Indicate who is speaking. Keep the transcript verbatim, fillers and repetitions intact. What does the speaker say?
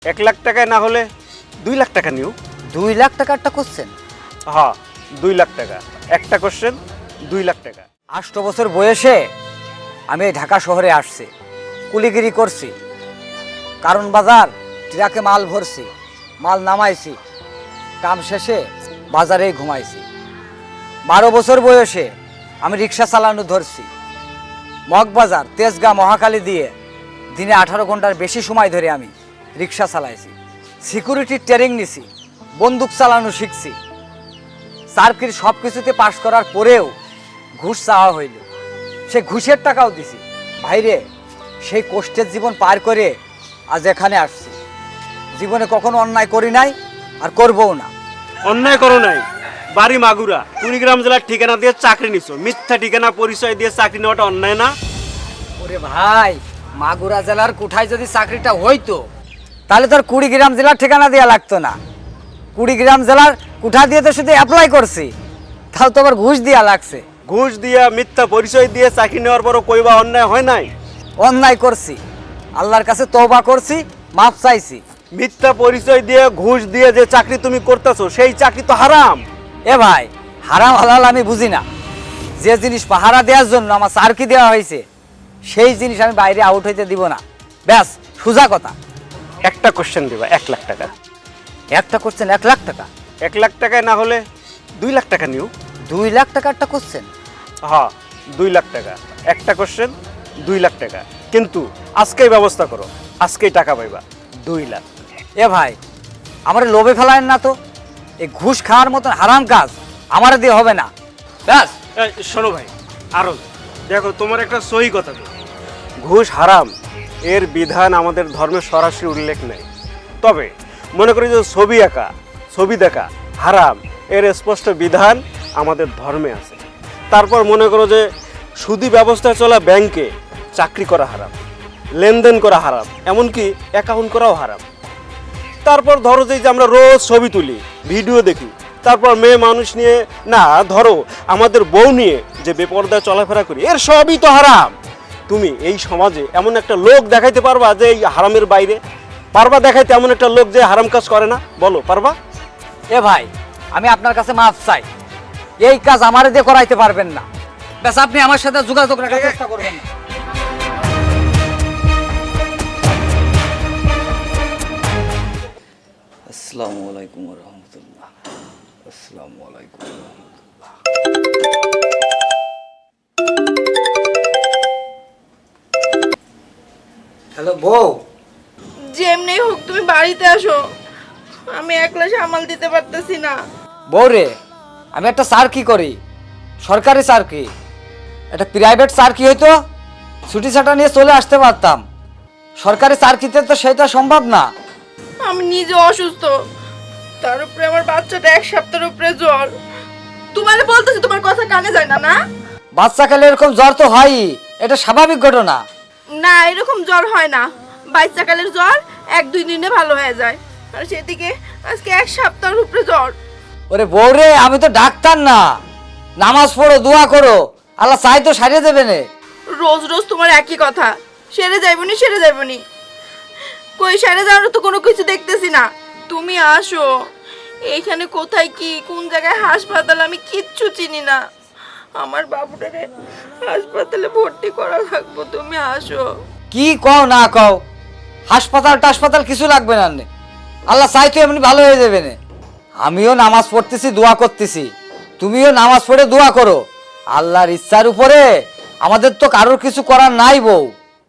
Speaker 1: এক লাখ টাকায় না হলে দুই লাখ টাকা নিও।
Speaker 2: দুই লাখ টাকারটা কোশ্চেন?
Speaker 1: হ্যাঁ, দুই লাখ টাকা একটা কোশ্চেন, দুই লাখ টাকা।
Speaker 2: আষ্ট বছর বয়সে আমি এই ঢাকা শহরে আসছি, কুলিগিরি করছি, কারণ বাজার ট্রাকে মাল ভরছি, মাল নামাইছি, কাম শেষে বাজারেই ঘুমাইছি। বারো বছর বয়সে আমি রিক্সা চালানো ধরছি, মগবাজার তেজগাঁ মহাকালী দিয়ে দিনে আঠারো ঘন্টার বেশি সময় ধরে আমি রিক্সা চালাইছি। সিকিউরিটি ট্রেনিং নিছি, বন্দুক চালানো শিখছি। সার্কিট সব কিছুতে পাশ করার পরেও ঘুষ চাওয়া হইল, সে ঘুষের টাকাও দিছি। ভাইরে, সেই কষ্টের জীবন পার করে আজ এখানে আসছি। জীবনে কখনো অন্যায় করি নাই, আর করবও না।
Speaker 1: অন্যায় করো নাই, বাড়ি মাগুরা, কুড়িগ্রাম জেলার ঠিকানা দিয়ে চাকরি নিছো। মিথ্যা ঠিকানা পরিচয় দিয়ে চাকরি নেওয়াটা অন্যায় না?
Speaker 2: ওরে ভাই, মাগুরা জেলার কোঠায় যদি চাকরিটা হইতো তাহলে তোর কুড়িগ্রাম জেলার ঠিকানা দেওয়া লাগতো না। কুড়িগ্রাম জেলার কোঠা দিয়ে তো শুধু অ্যাপ্লাই করছি, তাও তো আবার ঘুষ দেওয়া লাগছে।
Speaker 1: ঘুষ দিয়া মিথ্যা পরিচয় দিয়ে চাকরি নেওয়ার পরও কইবা অন্যায় হয় নাই?
Speaker 2: অন্যায় করছি, আল্লাহর কাছে তওবা করছি, মাফ চাইছি।
Speaker 1: মিথ্যা পরিচয় দিয়ে ঘুষ দিয়ে যে চাকরি তুমি করতেছো সেই চাকরি তো হারাম।
Speaker 2: এ ভাই, হারাম হালাল আমি বুঝি না। যে জিনিস পাহারা দেওয়ার জন্য আমার চারকি দেওয়া হয়েছে সেই জিনিস আমি বাইরে আউট হইতে দিব না। ব্যাস, সোজা কথা।
Speaker 1: একটা কোশ্চেন দিবা এক লাখ টাকা।
Speaker 2: একটা কোশ্চেন এক লাখ টাকা?
Speaker 1: এক লাখ টাকায় না হলে দুই লাখ টাকা নিও।
Speaker 2: দুই লাখ টাকারটা কোশ্চেন?
Speaker 1: হ্যাঁ, দুই লাখ টাকা একটা কোশ্চেন, দুই লাখ টাকা। কিন্তু আজকেই ব্যবস্থা করো, আজকেই টাকা পাইবা দুই লাখ।
Speaker 2: এ ভাই, আমার লোভে ফেলায়েন না তো। এই ঘুষ খাওয়ার মতন হারাম কাজ আমার দিয়ে হবে না। ব্যাস।
Speaker 1: এই, শোনো ভাই, আরো দেখো, তোমার একটা সহি কথা তো, ঘুষ হারাম এর বিধান আমাদের ধর্মে সরাসরি উল্লেখ নেই। তবে মনে করি যে ছবি আঁকা, ছবি দেখা হারাম এর স্পষ্ট বিধান আমাদের ধর্মে আছে। তারপর মনে করো যে সুদি ব্যবস্থায় চলা ব্যাংকে চাকরি করা হারাম, লেনদেন করা হারাম, এমনকি অ্যাকাউন্ট করাও হারাম। তারপর ধরো যে আমরা রোজ ছবি তুলি, ভিডিও দেখি, তারপর মেয়ে মানুষ নিয়ে, না ধরো আমাদের বউ নিয়ে যে বেপরদায় চলাফেরা করি, এর সবই তো হারাম। তুমি এই সমাজে এমন একটা লোক দেখাইতে পারবা যে এই হারামের বাইরে? পারবা দেখাইতে এমন একটা লোক যে হারাম কাজ করে না? বলো, পারবা?
Speaker 2: এ ভাই, আমি আপনার কাছে মাফ চাই, এই কাজ আমার দিয়ে করাইতে পারবেন না। ব্যাস, আপনি আমার সাথে যোগাযোগ রাখার চেষ্টা করবেন না।
Speaker 3: আসসালামু আলাইকুম ওয়া রাহমাতুল্লাহ। আসসালামু আলাইকুম ওয়া রাহমাতুল্লাহ।
Speaker 2: হ্যালো বউ।
Speaker 4: যেমনি হোক তুমি বাড়িতে আসো, আমি একলা সামাল দিতে পারতেছি না।
Speaker 2: বউ রে, আমি একটা চাকরি করি, সরকারি চাকরি। একটা প্রাইভেট চাকরি হইতো ছুটি ছাটা নিয়ে চলে আসতে পারতাম, সরকারি চাকরিতে তো সেটা সম্ভব না।
Speaker 4: আমি নিজে অসুস্থ, তার উপরে আমার বাচ্চাটা এক সপ্তাহের উপরে জ্বর। তোমার বলতেছি, তোমার কথা কানে যায় না? না
Speaker 2: বাচ্চাকালে এরকম জ্বর তো হয়ই, এটা স্বাভাবিক ঘটনা।
Speaker 4: না, এরকম জ্বর হয় না। বাচ্চাকালের জ্বর এক দুই দিনে ভালো হয়ে যায়, আর সেদিকে আজকে এক সপ্তাহের উপরে জ্বর।
Speaker 2: ওরে বউ রে, আমি তো ডাক্তার না। নামাজ পড়ো, দোয়া করো, আল্লাহ চাই তো সারিয়ে দেবে নে।
Speaker 4: রোজ রোজ তোমার একই কথা, সেরে যাইবনি সেরে যাইবনি, কই সেরে যাওয়ার তো কোনো কিছু দেখতেছি না। তুমি আসো, এইখানে কোথায় কি কোন জায়গায় হাসপাতাল আমি কিচ্ছু চিনি না। আমার বাবুটারে হাসপাতালে ভর্তি করা লাগবো, তুমি আসো।
Speaker 2: কি কও না কও, হাসপাতাল টাসপাতাল কিছু লাগবে না নে। আল্লাহ চাই তো এমনি ভালো হয়ে যাবে না। আমিও নামাজ পড়তেছি, দোয়া করতেছি, তুমিও নামাজ পড়ে দোয়া করো। আল্লাহর ইচ্ছার উপরে আমাদের তো কারোর কিছু করার নাই বউ।